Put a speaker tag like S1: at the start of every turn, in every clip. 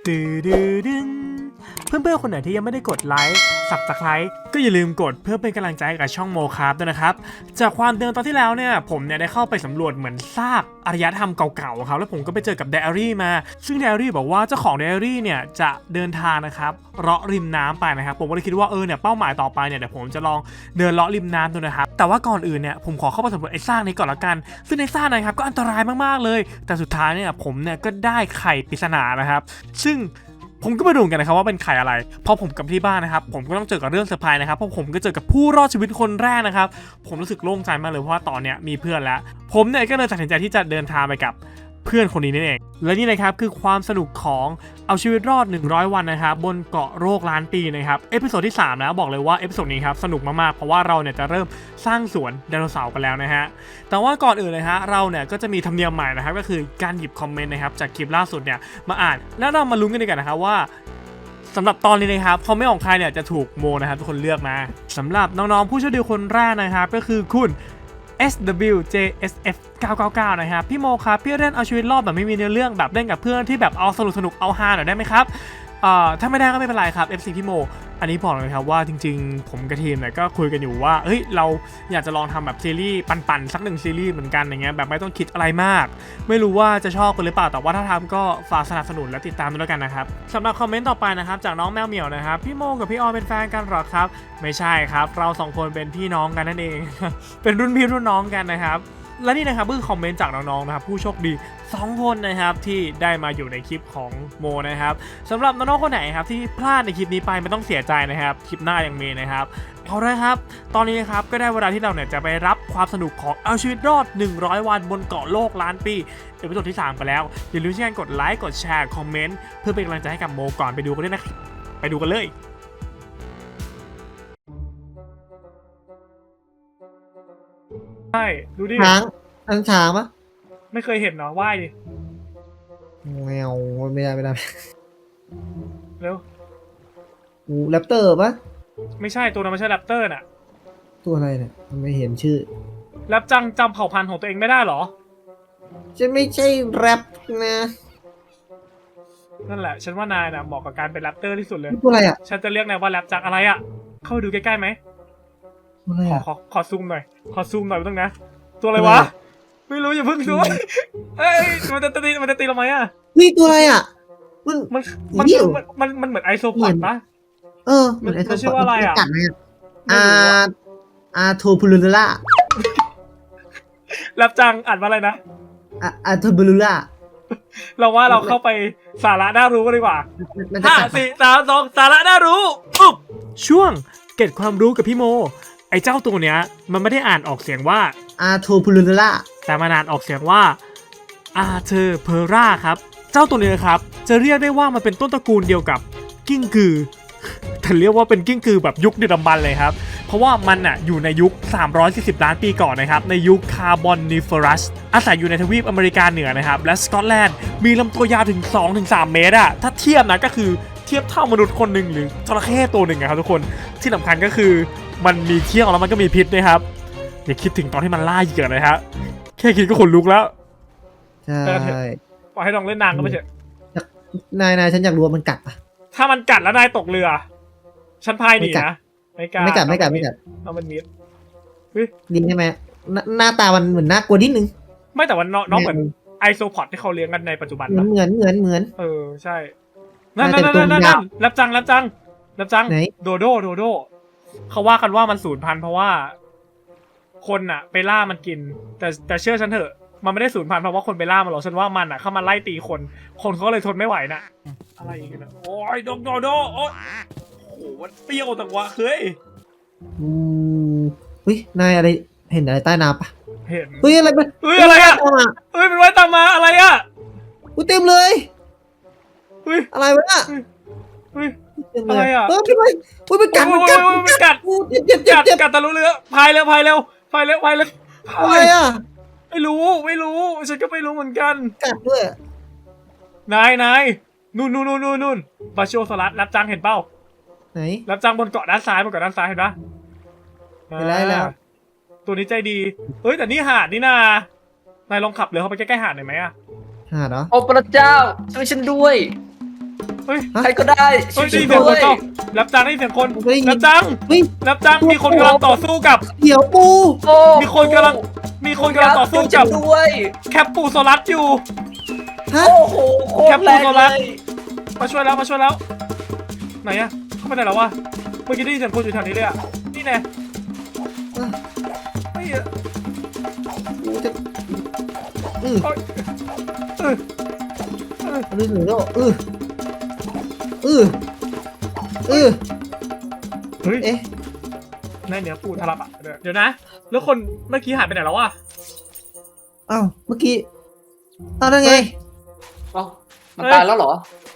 S1: ดื้อดื้อดึงเพื่อนๆคนไหนที่ยังไม่ได้กดไลค์Subscribeก็อย่าลืมกดเพื่อเป็นกำลังใจให้กับช่องโมคราฟด้วยนะครับจากความเดิมตอนที่แล้วเนี่ยผมเนี่ยได้เข้าไปสำรวจเหมือนซากอารยธรรมเก่าๆครับแล้วผมก็ไปเจอกับไดอารี่มาซึ่งไดอารี่บอกว่าเจ้าของไดอารี่เนี่ยจะเดินทางนะครับเลาะริมน้ำไปนะครับผมก็เลยคิดว่าเนี่ยเป้าหมายต่อไปเนี่ยเดี๋ยวผมจะลองเดินเลาะริมน้ำดูนะครับแต่ว่าก่อนอื่นเนี่ยผมขอเข้าไปสำรวจไอ้ซากนี้ก่อนละกันซึ่งในซากนะครับก็อันตรายมากๆเลยแต่สุดท้ายเนี่ยผมเนี่ยก็ได้ไข่ปริศนานะครับซึ่งผมก็มาดูกันนะครับว่าเป็นไข่อะไรพอผมกลับที่บ้านนะครับผมก็ต้องเจอกับเรื่องเซอร์ไพรส์นะครับเพราะผมก็เจอกับผู้รอดชีวิตคนแรกนะครับผมรู้สึกโล่งใจมากเลยเพราะว่าตอนเนี้ยมีเพื่อนแล้วผมเนี่ยก็เลยตัดสินใจที่จะเดินทางไปกับเพื่อนคนนี้นั่นเองและนี่นะครับคือความสนุกของเอาชีวิตรอด100วันนะครับบนเกาะโรคล้านปีนะครับเอพิโซดที่3แล้วบอกเลยว่าเอพิโซดนี้ครับสนุกมากๆเพราะว่าเราเนี่ยจะเริ่มสร้างสวนไดโนเสาร์กันแล้วนะฮะแต่ว่าก่อนอื่นเลยฮะเราเนี่ยก็จะมีธรรมเนียมใหม่นะครับก็คือการหยิบคอมเมนต์นะครับจากคลิปล่าสุดเนี่ยมาอ่านแล้วเรามาลุ้นกันดีกว่านะครับว่าสำหรับตอนนี้นะครับคอมเมนต์ของใครเนี่ยจะถูกโมนะครับทุกคนเลือกมาสำหรับน้องๆผู้โชคดีคนแรกนะครับก็คือคุณ SWJSF 999นะครับพี่โมครับพี่เล่นเอาชีวิตรอดแบบไม่มีเนื้อเรื่องแบบเล่นกับเพื่อนที่แบบเอาสนุกเอาฮาหน่อยได้ไหมครับถ้าไม่ได้ก็ไม่เป็นไรครับ FC พี่โมอันนี้บอกเลยครับว่าจริงๆผมกับทีมเนี่ยก็คุยกันอยู่ว่าเฮ้ยเราอยากจะลองทำแบบซีรีส์ปั่นๆสัก1ซีรีส์เหมือนกันอย่างเงี้ยแบบไม่ต้องคิดอะไรมากไม่รู้ว่าจะชอบกันหรือเปล่าแต่ว่าถ้าทำก็ฝากสนับสนุนและติดตามด้วยกันนะครับสำหรับคอมเมนต์ต่อไปนะครับจากน้องแมวเหมียวนะครับพี่โมกับพี่ออยเป็นแฟนกันหรอครับไม่ใช่ครับเรา2คนเป็นพี่น้องกันนั่นเอง เป็นรุ่นพี่รุ่นน้องกันนะครับและนี่นะครับคือคอมเมนต์จากน้องๆนะครับผู้โชคดี2คนนะครับที่ได้มาอยู่ในคลิปของโมนะครับสำหรับน้องๆคนไหนครับที่พลาดในคลิปนี้ไปไม่ต้องเสียใจนะครับคลิปหน้ายังมีนะครับเอาละครับตอนนี้นะครับก็ได้เวลาที่เราเนี่ยจะไปรับความสนุกของเอาชีวิตรอด100วันบนเกาะโลกล้านปีเอพิโซดที่3กันแล้วอย่าลืมช่วยกันกดไลค์กดแชร์คอมเมนต์เพื่อเป็นกำลังใจให้กับโมก่อนไปดูกันด้วยนะครับไปดูกันเลยใช่ดูดิ
S2: ช้างปะ
S1: ไม่เคยเห็นเนาะว่ายดิ
S2: แมวไม่ได้
S1: เร็ว
S2: กูแรปเตอร์ปะ
S1: ไม่ใช่ตัวนั้นไม่ใช่แรปเตอร์น่ะ
S2: ตัวอะไรเนี่ยไม่เห็นชื่อ
S1: แรปจังจำเผ่าพันธุ์ของตัวเองไม่ได้เหรอ
S2: จะไม่ใช่แรปนะ
S1: นั่นแหละฉันว่านายน่ะเหมาะกับการเป็นแรปเตอร์ที่สุดเลย
S2: ตัวอะไรอ่ะ
S1: ฉันจะเรียกนายว่าแรปจังอะไรอ่ะเข้าไปดูใกล้ๆไหม
S2: ตัวอะไรอ่ะ
S1: ขอซูมหน่อยขอซูมหน่อยไม่ต้องนะตัวอะไรวะไม่รู้อย่าเพิ่งดูเอ้ยมันจะตีเราไหมอ่ะ
S2: นี่ตัวอะไรอ่ะ
S1: มันเหมือนไอโซพอดปะ
S2: เหมือนไอ้
S1: มันชื่อว่าอะไรอ่ะ
S2: กัดไหมอาโทบูลูล่า
S1: แรปจังอ่านว่าอะไรนะ
S2: อาโทบูลูล่า
S1: เราว่าเราเข้าไปสาระน่ารู้กันดีกว่า
S2: มันจะกัด
S1: 4 3 2สาระน่ารู้อุ๊บช่วงเก็บความรู้กับพี่โมไอ้เจ้าตัวเนี้ยมันไม่ได้อ่านออกเสียงว่า
S2: อาโทบูลูล่า
S1: แต่มันอ่านออกเสียงว่าอาเธอเพอร่าครับเจ้าตัวนี้นะครับจะเรียกได้ว่ามันเป็นต้นตระกูลเดียวกับกิ้งกือแต่เรียกว่าเป็นกิ้งกือแบบยุคดึกดำบรรพ์เลยครับเพราะว่ามันอ่ะอยู่ในยุค340ล้านปีก่อนนะครับในยุคคาร์บอนนิเฟอรัสอาศัยอยู่ในทวีปอเมริกาเหนือนะครับและสกอตแลนด์มีลำตัวยาวถึง 2-3 เมตรอะถ้าเทียบนะก็คือเทียบเท่ามนุษย์คนหนึ่งหรือจระเข้ตัวหนึ่งครับทุกคนที่สำคัญก็คือมันมีเขี้ยวแล้วมันก็มีพิษนะครับอย่าคิดถึงตอนที่มันล่าเหยื่อเลยครับแค่คิดก็ขนลุกแล้ว
S2: ใช่
S1: ปล่อยให้น้องเล่นนางก็ไม่ใช่
S2: นายฉันอยากรู้ว่ามันกัดปะ
S1: ถ้ามันกัดแล้วนายตกเรือฉันพายหนีนะ
S2: ไม่กัด
S1: เอามันมิด
S2: ดินใช่ไหมหน้าตามันเหมือนน่ากลัวนิดนึง
S1: ไม่แต่ว่าน้องเหมือนไอโซพอดที่เขาเลี้ยงกันในปัจจุบัน
S2: เหมือน
S1: ใช่นั่นรับจังโดโดเขาว่ากันว่ามันสูญพันธุ์เพราะว่าคนอะไปล่ามันกินแต่เชื่อฉันเถอะมันไม่ได้สูญพันธุ์เพราะว่าคนไปล่ามันหรอกฉันว่ามันอะเข้ามาไล่ตีคนเขาเลยทนไม่ไหวนะอะไรอีกนะโอ้ยโดโอ้โหมันเปรี้ยวแต่ว่าเฮ้ย
S2: นายอะไรเห็นอะไรใต้น้ำปะ
S1: เห็น
S2: อะไรเป็น
S1: อะไรอะเป็นไว้ตามมาอะไรอะ
S2: เต็มเลยอะไรวะเนี่ย
S1: อะไรอะ
S2: มันกัด
S1: กัดตะลุเรือพายเร็ว
S2: อะไรอะ
S1: ไม่รู้ฉันก็ไม่รู้เหมือนกัน
S2: กัดด้วย
S1: นายนู่นบาชิโอซอรัสรับจังเห็นเป้า
S2: ไหน
S1: รับจังบนเกาะด้านซ้ายเห็นปะ
S2: เห็นแล้ว
S1: ตัวนี้ใจดีแต่นี่หาดนี่นายลองขับเรือเข้าไปใกล้ๆหาดหน่อยไหมอะ
S2: หาดเหรอ
S3: โอ้พระเจ้าช่วยฉันด้วย
S1: เฮ้ย
S3: ใครก็ได้
S1: เฮ้ย
S3: ช่
S1: ได้
S3: วย
S1: ยินเสียงคน
S3: ด้วย
S1: เปล่ารับจังได้ยินเสียงคน
S2: ผมได้ยิน
S1: รับจัง
S2: เฮ้ย
S1: รับจังมีคนกำลังต่อสู้กับ
S2: เดี๋ยวปู
S3: โอ้
S1: มีคนกำลังต่อสู้
S3: จั
S1: กั
S3: บบ ด้วย
S1: แคปปูโซลัสอยู่
S2: ฮะ
S3: โอ้โหโคตรแรงเลย
S1: มาช่วยแล้วไหนอะเข้าไปไหนแล้ววะเมื่อกี้ได้ยินเสียงคนอยู่แถวนี้เลยอะนี่แน่เฮ้ย
S2: กูจะอือ
S1: เออ
S2: รู้สึกแล้วอือเอ๊ะ
S1: ในเหนือปูทารับอะเดี๋ยวนะ แล้วคนเมื่อกี้หายไปไหนแล้ววะ
S2: อ้าวเมื่อกี้เอาได้ไง
S3: เอ้ามันตายแล้วเหรอ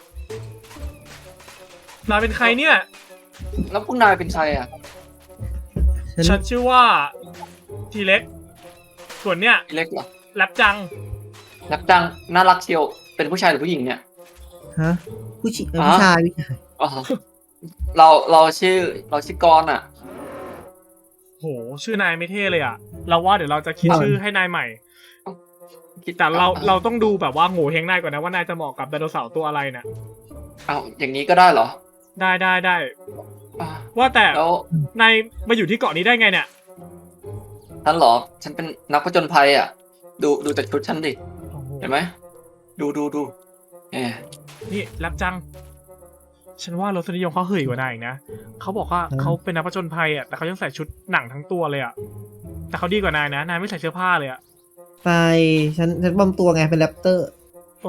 S1: นายเป็นใครเนี่ย
S3: แล้วพวกนายเป็นใครอ่ะ
S1: ฉันชื่อว่าทีเล็ก ส่วนเนี้ย
S3: เล็กเหรอ
S1: แรปจัง
S3: รักจังน่ารักเชียวเป็นผู้ชายหรือผู้หญิงเนี่ย
S2: ฮะผู้ชายผู้ชาย
S3: อ๋อเราชื่อกรณ์อ่ะ
S1: โห ชื่อนายไม่เท่เลยอะเราว่าเดี๋ยวเราจะคิดชื่อให้นายใหม่ แต่เราต้องดูแบบว่าโง่เฮงนายก่อนนะว่านายจะเหมาะกับไดโนเสาร์ตัวอะไรน่ะ
S3: เอาอย่างนี้ก็ได้เหรอ
S1: ได้
S3: อ่ะ
S1: ว่าแต่
S3: แล้ว
S1: นายมาอยู่ที่เกาะนี้ได้ไงเนี่ย
S3: ฉันเหรอฉันเป็นนักผจญภัยอ่ะ ดูจากชุดฉันดิเห็นไหมดูเออ
S1: นี่แรปจัง ฉันว่ารสนิยมเขาเห่ยกว่านายอีกนะเขาบอกว่าเขาเป็นนักผจญภัยอ่ะแต่เขายังใส่ชุดหนังทั้งตัวเลยอ่ะแต่เขาดีกว่านายนะนายไม่ใส่เสื้อผ้าเลยอ่ะ
S2: ไปฉันปลอมตัวไงเป็นแรปเตอร์
S1: โอ้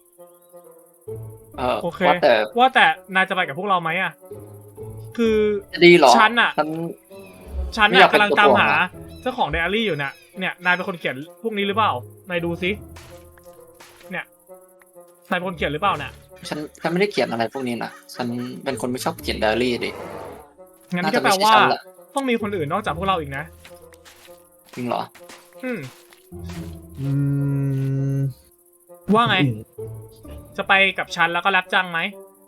S1: โอเค
S3: ว่าแต่
S1: นายจะไปกับพวกเราไหมอ่ะคือ
S3: จะดีเหรอ
S1: ฉันอะ ฉัน
S3: ไม่อยากเป็น
S1: กำลังตามหา
S3: ตัวถ่วงอะ
S1: เจ้าของไดอารี่อยู่เนี่ยนายเป็นคนเขียนพวกนี้หรือเปล่านายดูซิเนี่ยนายเป็นคนเขียนหรือเปล่าเนี่ย
S3: ฉันไม่ได้เขียนอะไรพวกนี้นะฉันเป็นคนไม่ชอบเขียนไดอารี่ดิ
S1: งั้น
S3: น่า
S1: ก็
S3: จะ
S1: แปล
S3: ไม่ใช่
S1: ว่า
S3: ฉันละ
S1: ต้องมีคนอื่นนอกจากพวกเราอีกนะ
S3: จริงเหรอ
S1: อืม
S2: อืม
S1: ว่าไง จะไปกับฉันแล้วก็แรปจังไหม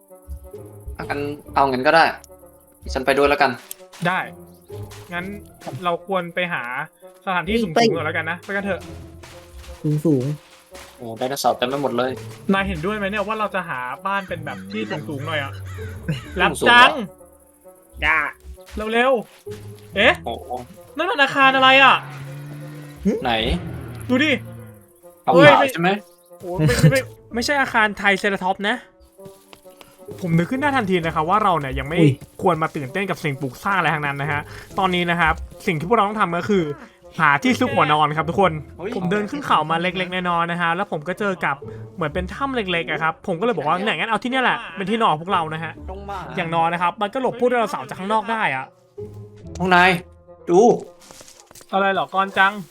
S3: เอางั้นก็ได้ ฉันไปด้วยแล้วกัน
S1: ได้ งั้นเราควรไปหาสถานที่สูงๆก่อนแล้วกันนะไปกันเถอะ
S2: สูง
S3: โอ้ไดโนเสาร์เต็มไปหมดเลย
S1: นายเห็นด้วยไหมเนี่ยว่าเราจะหาบ้านเป็นแบบที่สูงๆหน่อยอะแรป
S3: สูงๆ
S1: จัง
S3: เหรอ
S1: อย่าเร็วๆเอ๊ะ
S3: โอ้โห
S1: นั่นมันอาคารอะไรอ่ะ
S3: ไหน
S1: ดูดิ
S3: เอา
S1: เฮ้
S3: ห
S1: ย
S3: นาวใช่ไหม
S1: โอ้ไม่ใช่อาคารไทยเซราท็อปนะ ผมนึกขึ้นได้ทันทีนะครับว่าเราเนี่ยยังไม่ควรมาตื่นเต้นกับสิ่งปลูกสร้างอะไรทั้งนั้นนะฮะ ตอนนี้นะครับสิ่งที่พวกเราต้องทำก็คือ หาที่ซุกหัวนอนครับทุกคน ผมเดินขึ้นเขามาเล็กๆน้อยๆนะฮะ แล้วผมก็เจอกับเหมือนเป็นถ้ำเล็กๆอะครับ ผมก็เลยบอกว่าเนี่ยงั้นเอาที่เนี่ยแหละเป็นที่นอนของพวกเรานะฮะ
S3: ต้องมา
S1: อย่างน้อยนะครับ มันก็หลบพวกไดโนเสาร์จากข้างนอกได้อะ
S3: พวกนาย ดู
S1: อะไรเหรอกอนจัง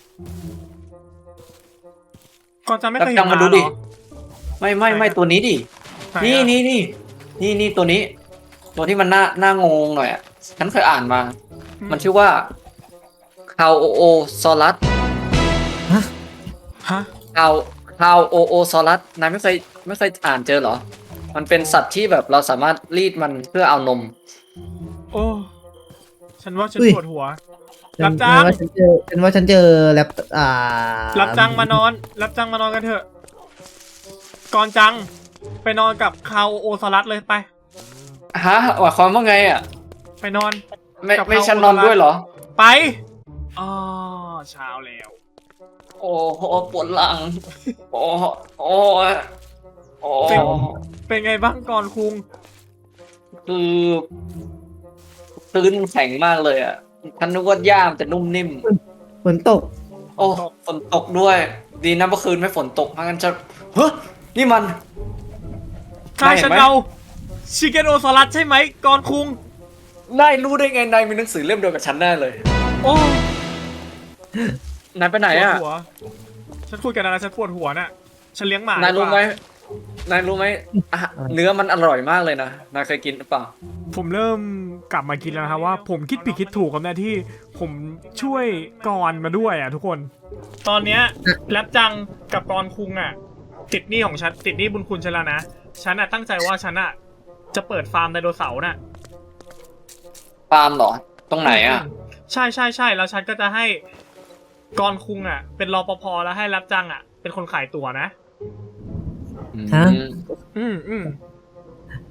S1: กอนจังไม่เคย
S3: จั
S1: เห็
S3: ง
S1: น
S3: มา
S1: มา
S3: ดู
S1: เหร
S3: ดิ
S1: อ
S3: ไม่ตัวนี้ดิ
S1: ไหอะ
S3: นี่ตัวนี้ ตัวที่มันหน้างงหน่อยอ่ะ ฉันเคยอ่านมา มันชื่อว่าคาวโอโอซอรัส
S1: ฮะ
S3: คาวโอโอซอรัสนายไม่เคยอ่านเจอเหรอ มันเป็นสัตว์ที่แบบเราสามารถรีดมันเพื่อเอานม
S1: โอ้ฉันว่าฉันปวดหัว
S2: ๆ
S1: รับจ้าง
S2: ฉันว่าฉันเจอแรป
S1: รับจังมานอน รับจังมานอนกันเถอะก่อนจัง ไปนอนกับคาวโอซารัสเลยไป
S3: ฮะหมายความว่าไงอ่ะ
S1: ไปนอน
S3: ไม่ฉันนอนด้วยเหรอ
S1: ไปอ๋อเช้าแล้ว
S3: โอ้โหปวดหลัง โอ้โอ้โอ้
S1: เป็นไงบ้างก่อนคุง
S3: คือพื้นแข็งมากเลยอ่ะฉันนึกว่าย่ามจะนุ่มนิ่ม
S2: ฝนตก
S3: โอ้ฝนตกด้วย ดีนะเมื่อคืนไม่ฝนตกไม่งั้นจะเฮ้ยนี่มัน
S1: ใช่ฉันเอาชิเกนโอซารัสใช่ไหมก่อนคุง
S3: นายรู้ได้ไงนายมีหนังสือเล่มเดียวกับฉันแน่เลย
S1: โอ้
S3: นายไปไหน
S1: ปวด
S3: อ่ะ
S1: หัวฉันคุยกันอะไรฉันปวดหัวน่ะ ฉันเลี้ยงหมาน
S3: ายรู้ไหม
S1: ดีกว่
S3: นายรู้ไหมอ่ะเนื้อมันอร่อยมากเลยนะนายเคยกินหรือเปล่า
S1: ผมเริ่มกลับมาคิดแล้วนะครับว่าผมคิดผิดคิดถูกครับเนี่ยที่ผมช่วยกรมาด้วยอ่ะทุกคน ตอนเนี้ยแรปจังกับกรคุงอ่ะติดหนี้ของฉันติดหนี้บุญคุณฉันแล้วนะฉันอ่ะตั้งใจว่าฉันอ่ะจะเปิดฟาร์มไดโนเสาร์น่ะ
S3: ปาล์มเหรอ ตรงไหนอ่ะ
S1: ใช่แล้วฉันก็จะให้กรคุงอ่ะ เป็นรปภแล้วให้แรปจังอ่ะเป็นคนขายตั๋วนะ
S2: ฮะ
S1: อืม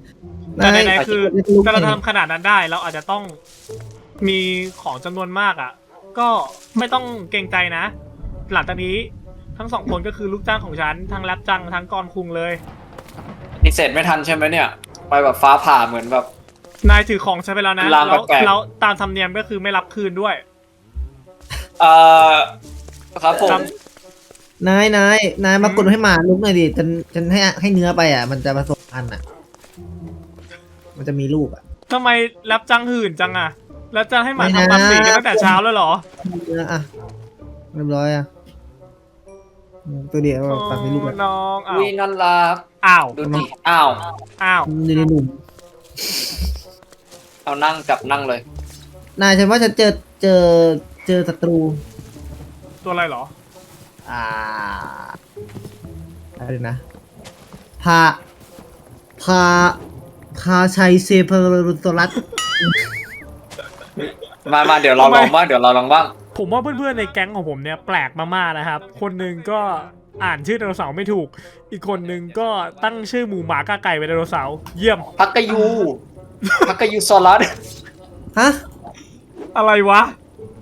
S1: แต่ไหนๆคือ
S2: ลูก
S1: ถ้าเราทำขนาดนั้นได้เราอาจจะต้องมีของจำนวนมากอ่ะ ก็ไม่ต้องเกรงใจนะ หลังจากนี้ทั้งสองคนก็คือลูกจ้างของฉันทั้งแรปจังทั้งกรคุงเลย
S3: นี่เสร็จไม่ทันใช่ไหมเนี่ย ไปแบบฟ้าผ่าเหมือนแบบ
S1: นายถือของฉันไปแล้วนะ
S3: ลาง
S1: แล้ว
S3: แปลกๆ
S1: แล้วตามธรรมเนียมก็คือไม่รับคืนด้วย
S3: เอ่อครับผม
S1: ครับ
S2: นายมากดให้หมาลุกหน่อยดิฉันให้เนื้อไปอ่ะ มันจะผสมพันธุ์อ่ะ มันจะมีลูกอ่ะ
S1: ทำไมแรปจังหื่นจังอ่ะ แล้วจะให้หมา
S2: ไม่นะ
S1: ทำปั๊มสีกันตั้งแต่เช้าแล้วเหรอ
S2: เนื้ออ่ะเรียบร้อยอ่ะตัวเดียวตัดไม่ลูก
S1: โอ้
S2: อ่ะ
S1: น้องอ้าว
S3: วินั่นรัก
S1: อ้าว
S3: ดูดิอ้าว
S1: อ้าว
S2: อยู่ในหนุ่ม
S3: เอานั่งกับนั่งเลย
S2: นายฉันว่าฉันเจอศัตรู
S1: ตัวอะไรเหรอ
S2: อะไรนะพาพาชัยเซเปอรุโตรัส
S3: มาเดี๋ยวเราลองบ้างเดี๋ยวเราลองบ้าง
S1: ผมว่าเพื่อนๆในแก๊งของผมเนี่ยแปลกมากๆนะครับ คนหนึ่งก็อ่านชื่อไดโนเสาร์ไม่ถูก อีกคนหนึ่งก็ตั้งชื่อหมูหมากาไก่เป็นไดโนเสาร์เยี่ยม
S3: พักกะยูพักกะยูซอรัส
S2: ฮะ
S1: อะไรวะ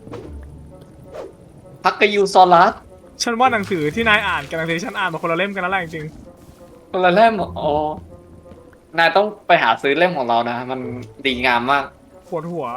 S3: พักกะยูซอรัส
S1: ฉันว่าหนังสือที่นายอ่านกับหนังสือที่ฉันอ่านมาคนละเล่มกันนั่นแหละจริง
S3: คนละเล่มอ๋อ นายต้องไปหาซื้อเล่มของเรานะ มันดีงามมาก
S1: ๆปวดหัว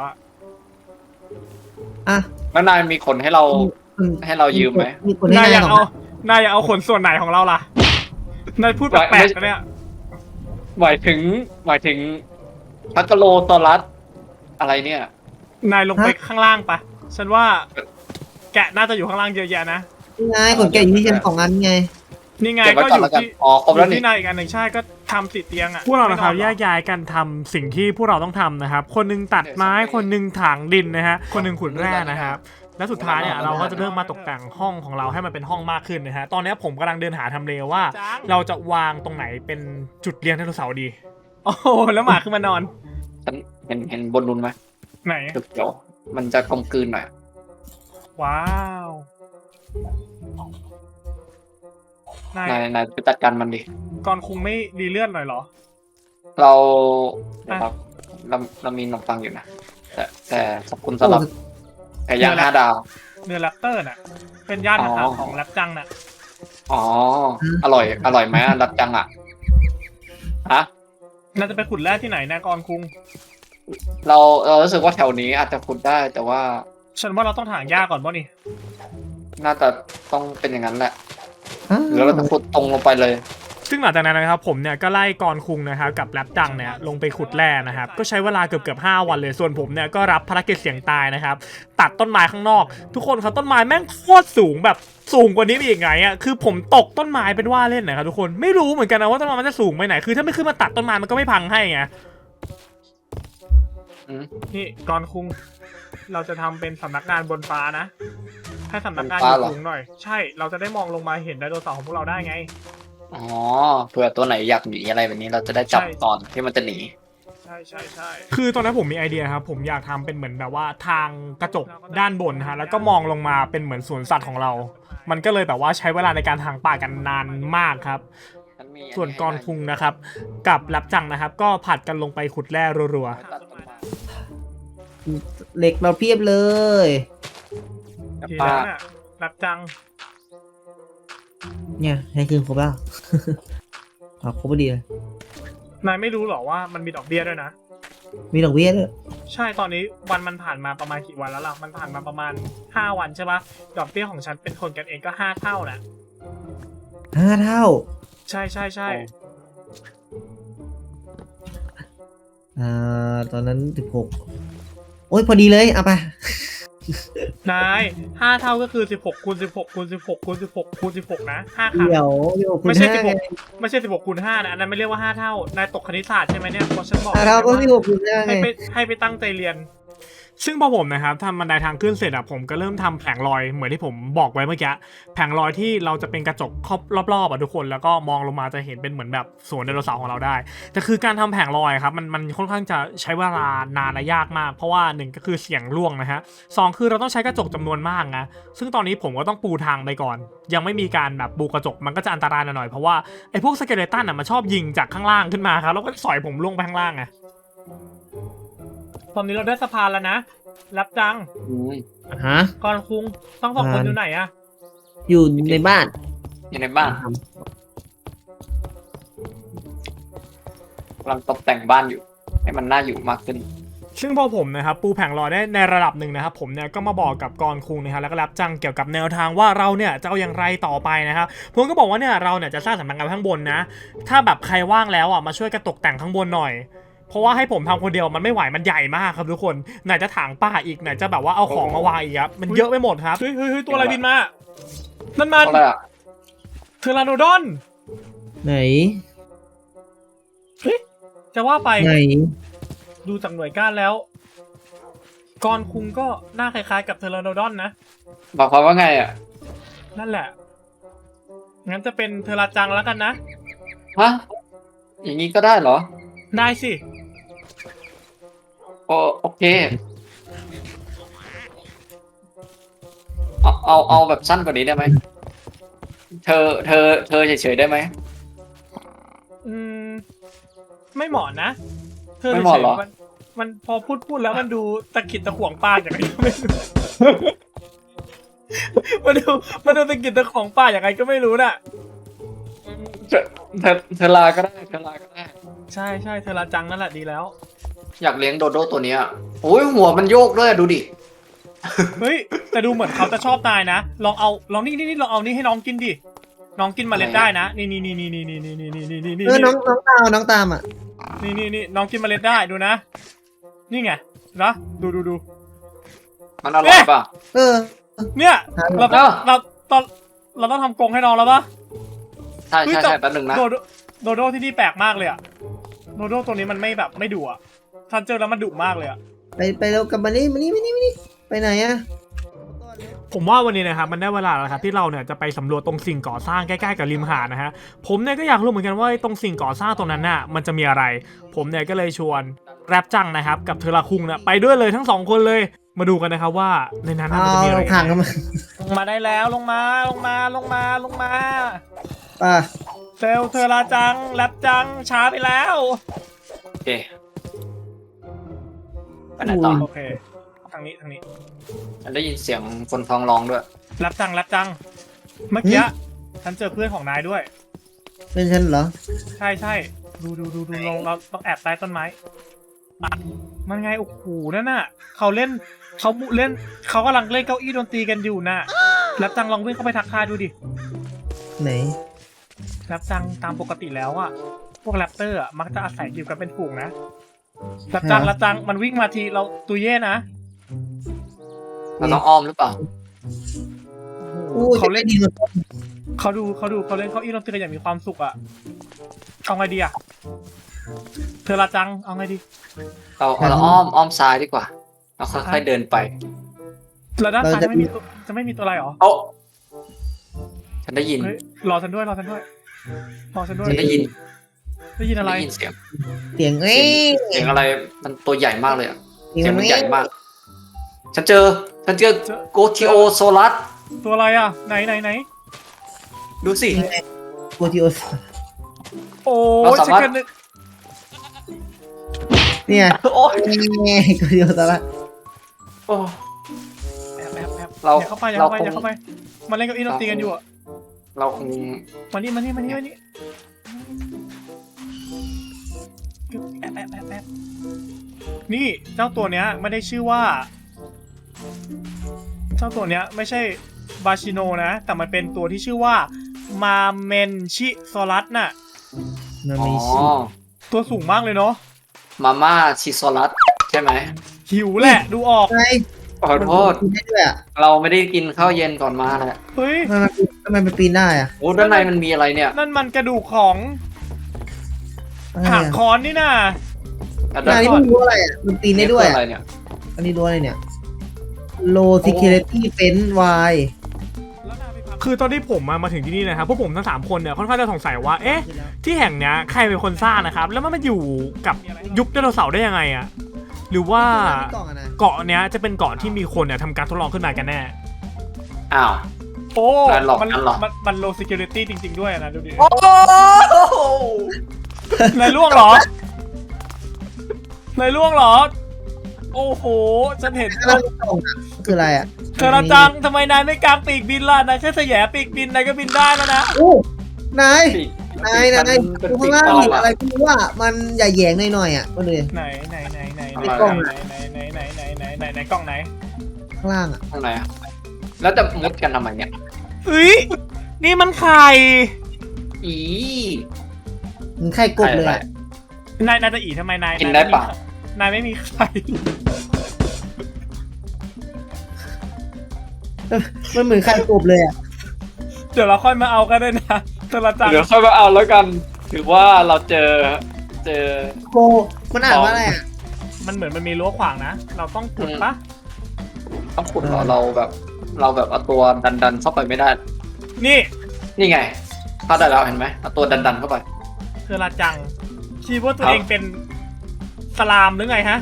S2: อ่ะ
S3: แล้วนายมีคนให้เราให้เรายืมไหม
S2: มีคนให้าย
S1: นายอยาก
S2: สอง
S1: เอานายอยากเอาขนส่วนไหนของเราล่ะ นายพูดแปลกๆนะเนี่ย
S3: หมายถึงพักกะโลซอรัสอะไรเนี่ย
S1: นายลงไปข้างล่างปะฉันว่า แกะน่าจะอยู่ข้างล่างเยอะแยะนะ
S2: นี่ไงขนแกะอยู่ที่ฉันของอันไง
S1: นี่ไง
S3: เก็บไว้
S1: ก็
S3: ก่
S1: อ
S3: อน
S1: ยู่
S3: แล้วกัน
S1: ที่
S3: อ๋อครบแล้วนี่
S1: ที่นายอีกอันหนึ่งใช่ก็ทำติดเตียงอ่ะพวกเรานะครับแยกย้ายกันทำสิ่งที่พวกเราต้องทำนะครับ คนหนึงตัดไม้คนหนึงถางดินนะฮะคนหนึงขุดแร่นะครับและสุดท้ายเนี่ยเราก็จะเริ่มมาตกแต่งห้องของเราให้มันเป็นห้องมากขึ้นนะฮะตอนนี้ผมกำลังเดินหาทำเลว่า เราจะวางตรงไหนเป็นจุดเลี้ยงไดโนเสาร์ดีโอ้โหแล้วหมาขึ้นมานอน
S3: ฉันเห็นบนนุนไหม
S1: ไหน
S3: เดี๋ยวมันจะกลมกลืนหน่อย
S1: ว้าวนาย
S3: นายไปจัดการมันดิ
S1: ก่อนคงไม่ดีเลื่อนหน่อยเหรอ
S3: เราเดี๋ยวครับเรามีขนมปังอยู่นะ แต่ขอบคุณสำหรับไก่ย่าง5 ดาว
S1: เนื้อแรปเตอร์น่ะ เป็นญาติทหารของแรปจังน่ะ
S3: อ๋อ อร่อยไหมอ่ะรับจังอ่ะฮะ
S1: น่าจะไปขุดแร่ที่ไหนนะกอนคุง
S3: เรารู้สึกว่าแถวนี้อาจจะขุดได้ แต่ว่า
S1: ฉันว่าเราต้องถางหญ้าก่อนป่ะนี่
S3: น่าจะต้องเป็นอย่างนั้นแหละ
S2: อ้าว
S3: หรือเราจะขุดตรงลงไปเลย
S1: ซึ่งหลังจากนั้นนะครับผมเนี่ยก็ไล่กรคุงนะครับกับแรปจังเนี่ยลงไปขุดแร่นะครับก็ใช้เวลาเกือบ5 วันเลยส่วนผมเนี่ยก็รับภารกิจเสี่ยงตายนะครับตัดต้นไม้ข้างนอก ทุกคนครับต้นไม้แม่งโคตรสูงแบบสูงกว่านี้ไปอีกไงอ่ะคือผมตกต้นไม้เป็นว่าเล่นนะครับทุกคนไม่รู้เหมือนกันนะว่าต้นไม้มันจะสูงไปไหนคือถ้าไม่ขึ้นมาตัดต้นไม้มันก็ไม่พังให้ไง
S3: อืม
S1: นี่กรคุงเราจะทำเป็นสำนักงานบนฟ้านะให้สำนักงานอยู่สูงหน่อยใช่เราจะได้มองลงมาเห็นไดโนเสาร์ของพวกเราได้ไง
S3: อ๋อเผื่อตัวไหนอยากหนีอะไรแบบนี้เราจะได้จับ
S1: ใช่
S3: ตอนที่มันจะหนี
S1: ใช่คือตอนนั้นผมมีไอเดียครับผมอยากทำเป็นเหมือนแบบว่าทางกระจกด้านบนฮะแล้วก็มองลงมาเป็นเหมือนสวนสัตว์ของเรา มันก็เลยแบบว่าใช้เวลาในการถางป่ากันนานมากครับ
S3: ฉัมี
S1: ส่วนกรคุงนะครับกับแรปจังนะครับก็ผัดกันลงไปขุดแร่รัว
S3: ตัดต้นไม้
S2: เหล็กเราเพียบเลย
S1: ๆ
S3: กับ
S1: ที
S3: ป้า
S1: นั้นน่ะแรปจัง
S2: เนี่ยให้คืนครบแล้ว อ๋อครบพอดีเลย
S1: นายไม่รู้หรอว่ามันมีดอกเบี้ยด้วยนะ
S2: มีดอกเบี้ยด้วย
S1: ใช่ตอนนี้วันมันผ่านมาประมาณกี่วันแล้วล่ะมันผ่านมาประมาณ5 วันใช่ปะดอกเบี้ยของฉันเป็นคนกันเองก็5 เท่าน่ะ
S2: 5 เท่า
S1: ใช่
S2: ตอนนั้น16โอ้ยพอดีเลยเอาไป
S1: นาย5 เท่าก็คือ16คูณ16คูณ16คูณ16คูณ16นะ5 ครั้ง
S2: เดี๋ยวคุณ
S1: ไม่ใช่
S2: ห้าไง
S1: ไม่ใช่16คูณ5นะอันนั้นไม่เรียกว่า5 เท่านายตกคณิตศาสตร์ใช่ไหมเนี่ยเพราะฉันบอก
S2: 5 เท่าก็16คูณ5ไง
S1: ให้ไปตั้งใจเรียนซึ่งพอผมนะครับทำบันไดทางขึ้นเสร็จอะผมก็เริ่มทำแผงลอยเหมือนที่ผมบอกไว้เมื่อกี้แผงลอยที่เราจะเป็นกระจกครอบรอบๆอะทุกคนแล้วก็มองลงมาจะเห็นเป็นเหมือนแบบสวนไดโนเสาร์ของเราได้แต่คือการทำแผงลอยครับมันค่อนข้างจะใช้เวลานานและยากมากเพราะว่า1ก็คือเสี่ยงร่วงนะฮะ2คือเราต้องใช้กระจกจำนวนมากนะซึ่งตอนนี้ผมก็ต้องปูทางไปก่อน ยังไม่มีการแบบปูกระจกมันก็จะอันตรายหน่อยเพราะว่าไอ้พวกสเกเลตันอะมันชอบยิงจากข้างล่างขึ้นมาครับแล้วก็สอยผมลงไปข้างล่างไงตอนนี้เราได้สะพานแล้วนะรับจัง
S3: อืม
S2: ฮะ
S1: ก่อนคุงต้องสองคนอยู่ไหนอะ
S2: อยู่ในบ้าน
S3: อยู่ในบ้านกำลังตกแต่งบ้านอยู่ ให้มันน่าอยู่มากขึ้น
S1: ซึ่งพอผมนะครับปูแผงลอยได้ในระดับหนึ่งนะครับผมเนี่ยก็มาบอกกับกรคุงนะครับแล้วก็รับจังเกี่ยวกับแนวทางว่าเราเนี่ยจะเอาอย่างไรต่อไปนะครับผมก็บอกว่าเนี่ยเราเนี่ยจะสร้างสำนักงานข้างบนนะถ้าแบบใครว่างแล้วอ่ะมาช่วยกันตกแต่งข้างบนหน่อย เพราะว่าให้ผมทำคนเดียวมันไม่ไหวมันใหญ่มากครับทุกคนไหนจะถางป่าอีกไหนจะแบบว่าเอาของมาวางอีกครับมันเยอะไปหมดครับเฮ้ยตัวอะไรบินมานั่นมัน
S3: อะไรอ่ะ
S1: เทอราโนดอน
S2: ไหน
S1: จะว่าไป
S2: ไหน
S1: ดูจากหน่วยก้านแล้วกรคุงก็หน้าคล้ายๆกับเทอราโนดอนนะ
S3: บอกความว่าไงอ่ะ
S1: นั่นแหละ งั้นจะเป็นเทอราจังแล้วกันนะ
S3: ฮะ อย่างนี้ก็ได้เหรอ
S1: ได้สิ
S3: โอเค เอาแบบสั้นกว่านี้ได้ไหม เธอเฉยๆได้ไหม
S1: อืม ไม่เหมาะนะ เธอ
S3: ไม่เหมาะเหรอ
S1: มันพอพูดแล้วมันดูตะกิดตะขวงปลาอย่างไรก็ไม่รู้ มันดูตะกิดตะขวงปลาอย่างไรก็ไม่รู้น่ะ
S3: เธอลาก็ได้ เธอลาก็ได้
S1: ใช่เทอราจังนั่นแหละดีแล้ว
S3: อยากเลี้ยงโดโดตัวเนี้ยโอ้ยหัวมันโยกด้วยอะดูดิ
S1: เฮ้ย แต่ดูเหมือนเขาจะชอบนายนะ ลองนี่ลองเอานี่ให้น้องกินดิ น้องกินเมล็ดได้นะ นี่
S2: น้องตามอ่ะ
S1: นี่น้องกินเมล็ดได้ดูนะ นี่ไงนะดู
S3: มันอร่อยป่ะ
S2: เออ
S1: เนี่ยเรา
S3: เออ
S1: เราต้องทำกรงให้น้องแล้วปะ
S3: ใช่
S1: เฮ้ย
S3: ใช่
S1: แต่
S3: ใช่แป๊บนึงนะ
S1: โดโดที่นี่แปลกมากเลยอะโดโดตัวนี้มันไม่แบบไม่ดุอะฉันเจอแล้วมันดุมากเลยอะ
S2: ไปเร็วกลับมานี่มานี่ไปไหนอ่ะ
S1: ผมว่าวันนี้นะครับมันได้เวลาแล้วครับที่เราเนี่ยจะไปสำรวจตรงสิ่งก่อสร้างใกล้ๆกับริมหาดนะฮะผมเนี่ยก็อยากรู้เหมือนกันว่าตรงสิ่งก่อสร้างตรงนั้นน่ะมันจะมีอะไร ผมเนี่ยก็เลยชวนแรปจังนะครับกับเทอราคุงเนี่ยไปด้วยเลยทั้ง2คนเลยมาดูกันนะครับว่าในนั้นน่ะมันจะมีอะไร
S2: ทางกันมา
S1: ลงมาได้แล้วลงมา
S2: ป่ะ
S1: เซลเทอราจังแรปจังช้าไปแล้ว
S3: โอเคไปไหนต่อ
S1: โอเคทางนี้
S3: ฉันได้ยินเสียงคนท้องร้องด้วย
S1: แรปจังเมื่อกี้ฉันเจอเพื่อนของนายด้วย
S2: เป็นฉันเหรอ
S1: ใช่ดูลงเราต้องแอบใต้ต้นไม้อ่ะมันไงโอ้โหนั่นน่ะเขากำลังเล่นเก้าอี้ดนตรีกันอยู่น่ะแรปจังลองวิ่งเข้าไปทักทายดูดิ
S2: ไหน
S1: แรปจังตามปกติแล้วอ่ะพวกแรปเตอร์อ่ะมักจะอาศัยอยู่กันเป็นฝูงนะแรปจังมันวิ่งมาทีเราตุยเย่นะ
S3: เราต้องอ้อมหรือเปล่า
S1: โอ้
S2: อู้
S1: โหเขาเล่น
S2: ดีกว่า
S1: เขาเล่นเก้าอี้ดนตรีกันอย่างมีความสุขอ่ะเอาไงดีอ่ะเธอละจังเอาไงดี
S3: เราอ้อมซ้ายดีกว่าเราค่อยๆเดินไป
S1: แล้วด้านซ้ายจะไม่มีตัวอะไรหรอ
S3: โอ้ฉันได้ยิน
S1: เฮ้ยรอฉันด้วย
S3: ฉันได้ยิน
S1: ได้ยินอะไร
S3: ได้ยินเสียง
S2: เสียงเอ้ย
S3: เสียงอะไรมันตัวใหญ่มากเลยอะ
S2: เสีย
S3: เสีย
S2: ง
S3: งมัน
S2: เอ้
S3: ใหญ่
S2: ย
S3: มาก ฉันเจอโกทิโอโซลัส
S1: ตัวอะไรอ่ะไหน
S3: ดูสิ
S2: โกติโอส
S1: โอ้
S3: เราสามารถ
S1: ฉันนึก
S2: เนี่ย
S3: โอ้ย
S2: โกติโอสละ
S3: โอ้
S1: แอบ
S3: เรา
S1: อย่าเข้าไปมาเล่นเก้าอี้ดนตรีกันอยู่อ่ะ
S3: เราคง
S1: มานี่แอบนี่เจ้าตัวเนี้ยไม่ได้ชื่อว่าเจ้าตัวเนี้ยไม่ใช่บาชิโนนะแต่มันเป็นตัวที่ชื่อว่ามาเมนชิโซลัสน่ะ
S2: มัน
S3: อ๋อ
S2: มีชื่อ
S1: ตัวสูงมากเลยเนาะ
S3: มาม่าชิโซลัสใช่ไหม
S1: หิวแหละดูออก
S2: ไง
S3: ขอโทษ
S2: มันปีนได้ด้วยอ่ะ
S3: เราไม่ได้กินข้าวเย็นก่อนมาแหละ
S1: เฮ้ย
S2: ทำไมมันปีนได้อ่ะ
S3: โอ้ด้านในมันมีอะไรเนี่ย
S1: นั่นมันกระดูกของ
S2: อะไร
S1: หาง
S2: อ่ะ
S1: คอนนี่น่ะ
S3: อ่ะ
S2: นายนี่
S3: ก่อ
S2: มันรู้อะไรอ่ะมันปีนได้ด้วย
S3: อะ
S2: อ่ะ
S3: ไรเนี่ย
S2: อันนี้รั้วอะไรเนี่ย low security fence wide
S1: คือตอนที่ผมมาถึงที่นี่นะครับพวกผมทั้ง3คนเนี่ยค่อนข้างจะสงสัยว่าเอ๊ะที่แห่งเนี้ยใครเป็นคนสร้างนะครับแล้วมันมาอยู่กับยุคไดโนเสาร์ได้ยังไงอะหรือว่า
S2: กล่องอะนะ
S1: เกาะเนี้ยจะเป็นเกาะที่มีคนเนี่ยทำการทดลองขึ้นมากันแน่
S3: อ้าว
S1: โอ้
S3: การหลอกกันเหรอ
S1: มัน low security จริงๆด้วยนะดูดิ
S3: โอ้
S1: นายล่วงเหรอนายล่วงเหรอโอ้โหฉันเห็น
S2: แล้วกล่องอะคืออะไรอ่ะ
S1: เธอละจังทำไมนายไม่กางปีกบินล่ะนายแค่แสยปีกบินนายก็บินได้แล้วนะ
S2: โอ้นาย
S3: ปีก
S2: นาย
S3: เป็น
S2: ดู
S3: ปี
S2: ข้าง
S3: ก
S2: ล่าง
S3: ปลอ
S2: ดิ
S3: ม
S2: อะไร
S3: อะ
S2: ไม่รู้ว่ามันใหญ่แยงหน่อยๆอ่ะก็เลย
S1: ไหน
S3: อะไร
S2: กล่อง
S1: ไหนกล้องไหน
S2: ข้างล่างอ่ะ
S3: ข้างในอะแล้วจะมุดกันทำไมเนี่ย
S1: เฮ้ยนี่มันไข่
S3: อี
S2: มันไข่กบเลยอ่ะ
S1: นายจะอีทำไมนาย
S3: กินได้ปะ
S1: นายไม่มีไข่
S2: มันเหมือนไข่กบเลยอ่ะ
S1: เดี๋ยวเราค่อยมาเอากันได้นะเธอละจัง
S3: เดี๋ยวค่อยมาเอาแล้วกัน ถือว่าเราเจอ
S2: โกมันอ่านว่าอะไรอ่ะ
S1: มันเหมือนมันมีรั้วขวางนะเราต้องขุดปะ
S3: ต้องขุดเหรอเราแบบเอาตัวดันเข้าไปไม่ได้
S1: นี่
S3: นี่ไงเข้าได้แล้วเห็นไหมเอาตัวดันเข้าไป
S1: เธอละจังคิดว่าตัว
S3: ครับ
S1: เองเป็นสลามหรือไงฮะ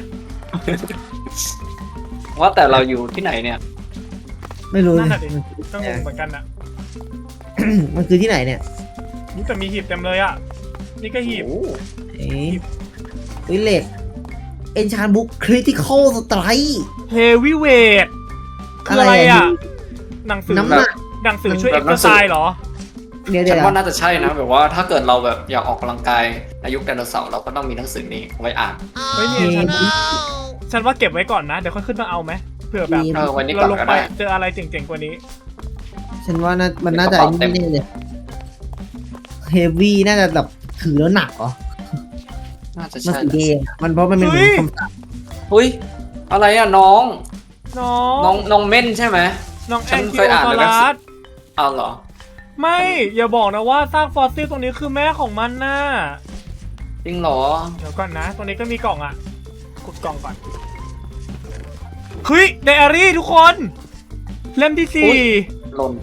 S3: ว่าแต่เราอยู่ที่ไหนเนี่ย
S2: ไม่รู้
S1: นั่นน่ะดิก็งงเหมือนกันอะ
S2: มันคือที่ไหนเนี่ย
S1: นี่แต่มีหีบเต็มเลยอะนี่ก็หีบ
S3: โอ้
S2: เอ๊ะวิเลตเอนชานบุ๊กคริติคอลสไตร์
S1: เฮวีเวทคืออะไรอะหนังสือ
S2: น้ำหนัก
S1: หนังสือช่วยเอ็กซ์ไซส์เหรอ
S2: เดี๋ยว
S3: ฉัน
S2: เดี๋ยว
S3: ว่าน่าจะใช่นะแบบว่าถ้าเกิดเราแบบอยากออกกำลังกายในยุคไดโนเสาร์เราก็ต้องมีหนังสือนี้ไว้อ่าน
S1: เฮ้ยเนี่ยฉันว่าเก็บไว้ก่อนนะ เดี๋ยวค่อยขึ้นมาเอาไหมเผื่อแบบ
S3: วันนี้ก่
S1: เรา
S3: อน
S1: ลง
S3: ก็
S1: ไป
S3: ได้
S1: เจออะไรเจ๋งๆกว่านี้
S2: ฉันว่ามันน่าจะ
S3: กระเป๋าเต็ม
S2: นี่เลยเฮฟวี่น่าจะแบบถือแล้วหนักเหรอ
S3: น่าจะ
S2: มัน
S3: ใช่
S2: สีแดงอะมันเพราะมันเป็นเหมือนคำสั่ง
S3: เฮ้ยอะไรอะน้อง
S1: น้อง
S3: เม่นใช่ไหม
S1: น้อง
S3: ฉั
S1: แอน น
S3: เค
S1: คิ
S3: ย
S1: โอ
S3: อ่าน
S1: ต
S3: ในหนังสื
S1: ลั
S3: อ
S1: ส
S3: เอาเหรอ
S1: ไม่อย่าบอกนะว่าซากฟอสซิลตรงนี้คือแม่ของมันน่ะ
S3: จริงเหรอ
S1: เดี๋ยวก่อนนะ ตรงนี้ก็มีกล่องอ่ะขุดกล่องก่อนเฮ้ยไดอารี่ทุกคนเล่มที่
S3: อุ๊ย
S1: 4
S3: หล่น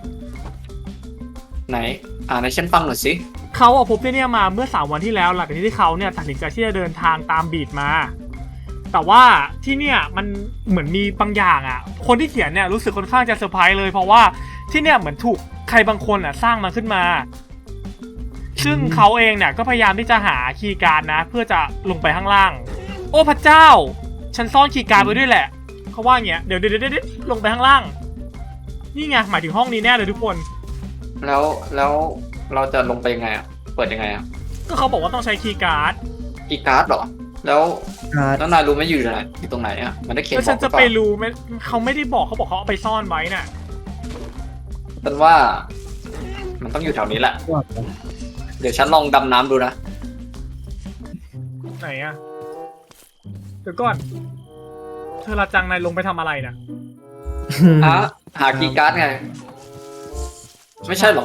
S3: ไหนอ่านให้ฉันฟังหน่อยสิ
S1: เขาพบที่เนี่ยมาเมื่อ3 วันที่แล้วหลังจากที่เขาเนี่ยตัดสินใจที่จะเดินทางตามบีดมา แต่ว่าที่เนี่ยมันเหมือนมีบางอย่างอ่ะ คนที่เขียนเนี่ยรู้สึกค่อนข้างจะเซอร์ไพรส์เลยเพราะว่าที่เนี่ยเหมือนถูกใครบางคนอ่ะสร้างมาขึ้นมา ซึ่งเขาเองเนี่ยก็พยายามที่จะหาคีย์การ์ดนะ เพื่อจะลงไปข้างล่าง โอ้พระเจ้า ฉันซ่อนคีย์การ์ดไว้ด้วยแหละเขาว่าอย่างเงี้ยเดี๋ยวลงไปข้างล่าง นี่ไงหมายถึงห้องนี้แน่เลยทุกคน
S3: แล้วเราจะลงไปยังไงอ่ะเปิดยังไงอ่ะ
S1: ก็เขาบอกว่าต้องใช้คีย์การ์ด
S3: กีย์การ์ดเหรอแล้ว
S2: การ์ด
S3: นายรู้ไหมอยู่ไหนอยู่ตรงไหนอ่ะมันได้เขียน
S1: แล้ว
S3: บ
S1: ฉั
S3: อน กหรื
S1: จะ
S3: อเป
S1: ไป
S3: ล่า
S1: รู้ไหมเขาไม่ได้บอกเขาบอกเขาเอาไปซ่อนไว้น่ะ
S3: ฉันว่า มันต้องอยู่แถวนี้แหละ เดี๋ยวฉันลองดำน้ำดูนะ
S1: ไหนอะเดี๋ยวก่อน เธอละจังนายลงไปทำอะไรน่ะ
S3: หากีย์การ์ดไง ไม่ใช่เหรอ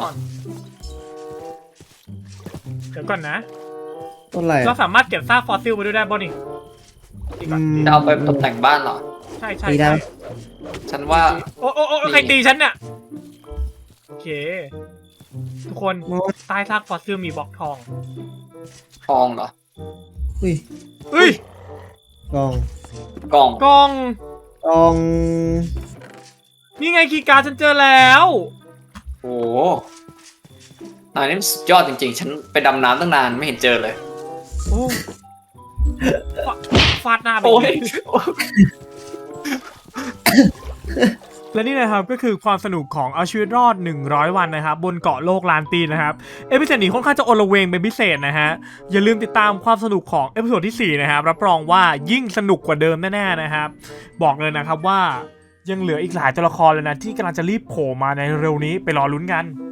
S1: เดี๋ยวก่อนนะ
S2: ต้นอะไร
S1: เราสามารถเก็บซากฟอสซิลไปด้วยได้บ่นี่ดีก่อน
S3: จะเอาไปตกแต่งบ้านเหรอ
S1: ใช่
S2: ตีได้
S3: ฉันว่า
S1: โอ้ใครตีฉันเนี่ยโอเค ทุกคนใต้ซากฟอสซิลมีบล็อกทอง
S3: ทองเหรอ
S2: อุ้ย
S1: เฮ้ย
S2: กล่อง
S3: กล่อง
S1: กล่อง
S2: กล่อง
S1: นี่ไงคีย์การ์ดฉันเจอแล้ว
S3: โอ้โหนายนี่มันสุดยอดจริงๆ ฉันไปดำน้ำตั้งนานไม่เห็นเจอเลย
S1: โอ้ฟาดหน้าไป
S3: โอ้ย
S1: และนี่นะครับก็คือความสนุกของเอาชีวิตรอด100 วันนะครับบนเกาะโลกล้านปีนะครับเอพิโซดนี้ค่อนข้างจะโอละเวงเป็นพิเศษนะฮะอย่าลืมติดตามความสนุกของเอพิโซดที่4นะครับรับรองว่ายิ่งสนุกกว่าเดิมแน่ๆนะครับบอกเลยนะครับว่ายังเหลืออีกหลายตัวละครเลยนะที่กำลังจะรีบโผล่มาในเร็วนี้ไปรอลุ้นกัน